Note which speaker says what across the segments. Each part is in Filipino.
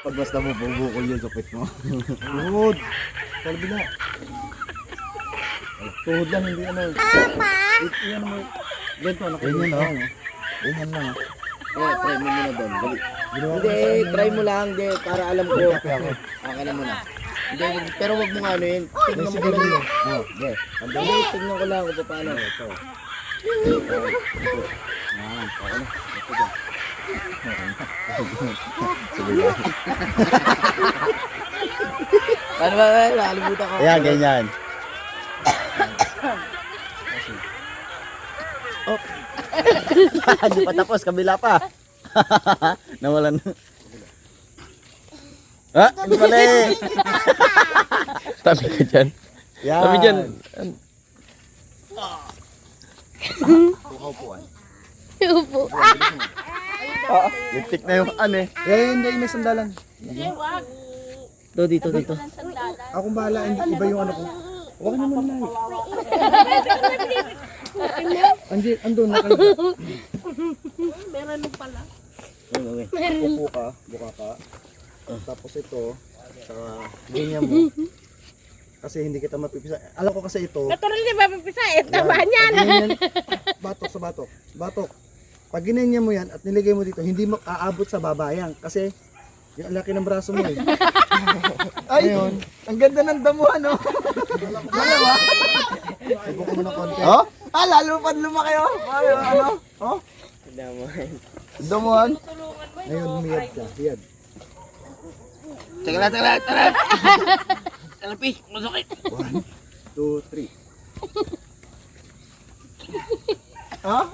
Speaker 1: Pag basta mo, bubukol yung supit mo. Tuhod. Kalbi na. Tuhod lang, hindi ano. Iyan mo. Ganito, ganyan lang. Ganyan lang.
Speaker 2: Try mo muna doon. Hindi, try mo lang. Hindi, para alam ko. Okay na muna. Hindi, pero wag mo nga ano yun. Tignan mo ko lang. Hindi, tignan ko lang kung paano. Ito.
Speaker 1: Yan, okay na. Ito dyan.
Speaker 2: Paano ba? Nakalimutan ko.
Speaker 1: Ayan, ganyan. Oh. Hindi pa tapos, kabila pa. Nawalan. Ah, hindi pala eh.
Speaker 3: Tabi ka dyan.
Speaker 1: Yan.
Speaker 3: Tabi dyan.
Speaker 4: Upo.
Speaker 1: Ah, liptik na yung ano eh. Hindi, may sandalan.
Speaker 2: Dito.
Speaker 1: Akong bahala, iba yung ano ko. Huwag naman na. Andun, nakalagay.
Speaker 4: Meron pala.
Speaker 1: Upo ka, buka ka. Tapos ito, saka ganyan mo. Kasi hindi kita mapipisa. Alam ko kasi ito.
Speaker 4: Natural di ba pipisa? Tama niyan.
Speaker 1: Ganyan, batok sa batok. Batok. Pag ginanya mo yan at niligay mo dito, hindi mo aabot sa babayang. Kasi yung laki ng braso mo eh. Ay, ngayon, ang ganda ng damuhan, no? Dalawa. Ibo ko mo ng konti. Oh? Ah, lalo pa lumaki, oh. Ano? Oh? Damuhan. Ngayon, humiyad ka. Hiyad.
Speaker 2: Teka lang. Talapi, masakit.
Speaker 1: 1, 2, 3. Ah?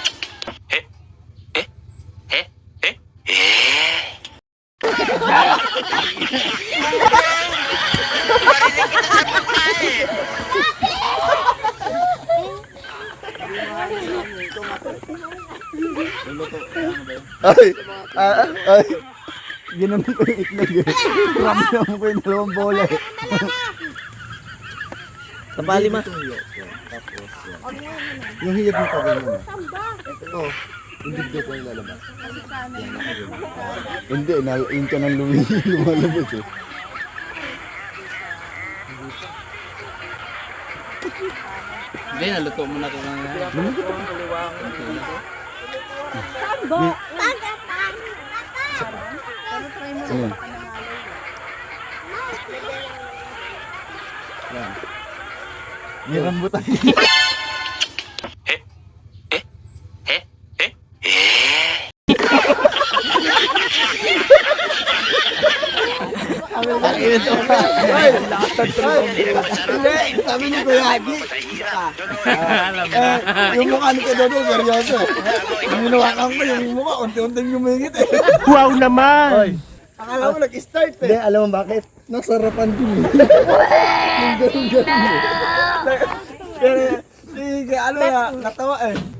Speaker 1: Ay, ay. Ginanon ko yung itlog eh. Ramdam ko yung dalawang bola eh.
Speaker 2: Tapali ma.
Speaker 1: Tapos yung hiyad mo pa ganyan. Ito, hindi dito ko yung lalabas. Hindi, yun ka nang lumalabas eh.
Speaker 2: Hindi, naluto mo na ito nga.
Speaker 1: Ayan. Ayan. May rambutan. Sabi ni Kuya Agi. Yung mukha ni Kuya Dodo, seryoso. Hinawakan ko yung mukha, unti-unting lumingit eh.
Speaker 3: Wow naman!
Speaker 1: Akala mo nag-start eh. Hindi, alam mo bakit? Nasarapan din eh. Yung ganun-ganun eh. Pero, ano na, natawa eh.